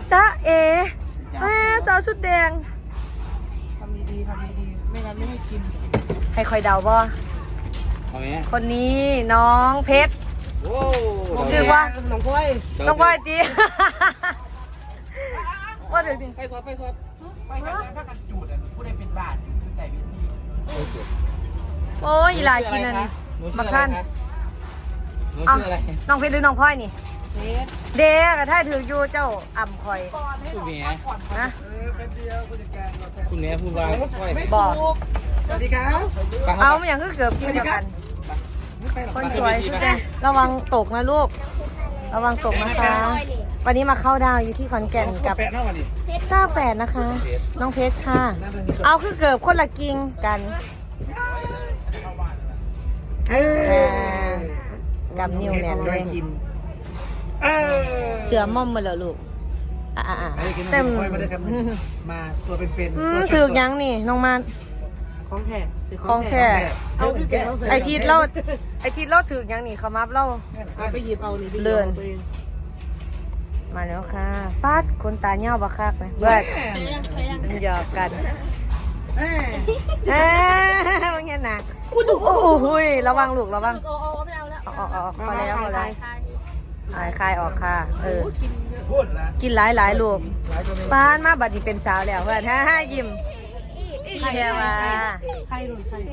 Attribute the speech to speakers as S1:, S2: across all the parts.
S1: ตาเอแม่สาวสุดแดง
S2: ทำดีๆไม่งั้นไม่ให้กิน
S1: ให้คอยเดาบ่คนนี้น้องเพชรชื่อว่า
S2: น้องก้อย
S1: น้องก้อยจีว่าเดี๋ยวดิ
S2: ไปซอสไปกันถ้ากันจูดผู้ใดเป็นบาทแต่วิธี
S1: โอ้ยหลายกินอันนี้มาขั้นเอาน้องเพชรหรือน้องพลอยนี่เด็กอะถ้าถืออยู่เจ้าอ่ำคอย
S3: คุณแม่
S1: นะ
S3: คุณแม่พูดว่า
S1: บอก
S2: สวัสดีครับ
S1: เอาไม่อย่างก็เกือบกินเดียวกันคนสวยสุดแดงระวังตกนะลูกระวังตกนะคะวันนี้มาเข้าดาวอยู่ที่ขอนแก่นกับต้าแฝดนะคะ น้องเพชรค่ะเอาคือเกือบคนละกิ่งกันกับนิ้วแน่นเลยเสือม่อมมาแล้วลูกเต็ม
S2: มาตัวเป็น
S1: ถือยังนี่น้องมันของแช่ไอทีเราถือยังนี่เขามับเรา
S2: ไปหยิบเอานี่
S1: เลื่อนมาแล้วค่ะป้าดคนตาเหี่ยวบักคักไหมเบิดหยอกกันว่าไงนะโอ้ยระวังลูกระวังออกพอแล้วคลายออกค่ะกินหลายลูกป้านมาบัดนี้เป็นสาวแล้วเพื่อนยิ้มพี่แพรว่า
S2: ใคร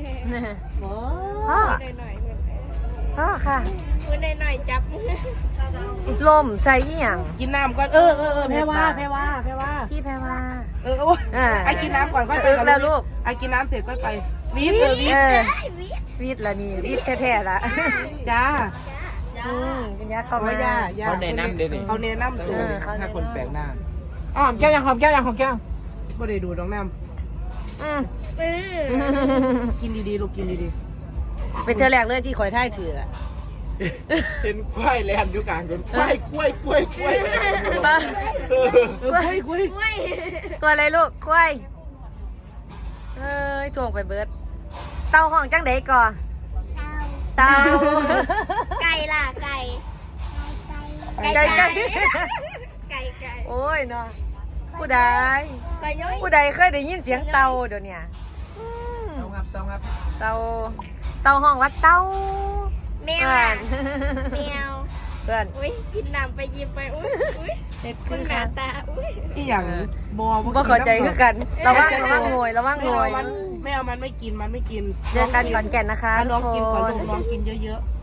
S1: พ่อค่ะ
S4: มือหน่อยจับ
S1: ลมใส่ยี่หยัง
S2: กินน้ำก่อนแพรว่า
S1: พี่แพรว่า
S2: ไอกินน้ำก่อนก็
S1: ไปแล้วลูก
S2: ไอกินน้ำเสร็จก็ไปวิท
S1: ละนี่วิทแท้ๆละ
S2: จ้า
S1: เป็นยักษ์เข้ามา
S3: เขาแนะนำเดี๋ยวนี้
S2: เขาแนะนำ
S3: ถ้าคนแปลกหน้า
S2: หอมแก้วยังไม่ได้ดูน้องน้ำกินดีๆลูกกินดี
S1: ๆเป็นเธอแรกเลยที่คอยท่ายถือ
S3: เป็นควายแลนอยู่กลางคนควาย
S1: ตัวอะไรลูกควายถ่วงไปเบิดเต่าห้องจังไดก่อเต่า
S4: ไก่ล่ะไก่
S1: โอ้ยเนาะผู้ใดเคยได้ยินเสียงเต่าเดี๋ยวนี้
S2: เต่
S1: าห้องว่าเต่า
S4: แมว
S1: เพื่อน
S4: อุ้ยกินน้ำไปยิ้มไปอุ้ยคุณหน้าตาอุ้ย
S2: ที่อย่าง
S1: บ่เข้าใจคือกันระวังงวย
S2: ไม่เอามันไม่กิน
S1: เจอกันขอนแก่นนะคะ
S2: น้องกินก่อนน้องกินเยอะๆ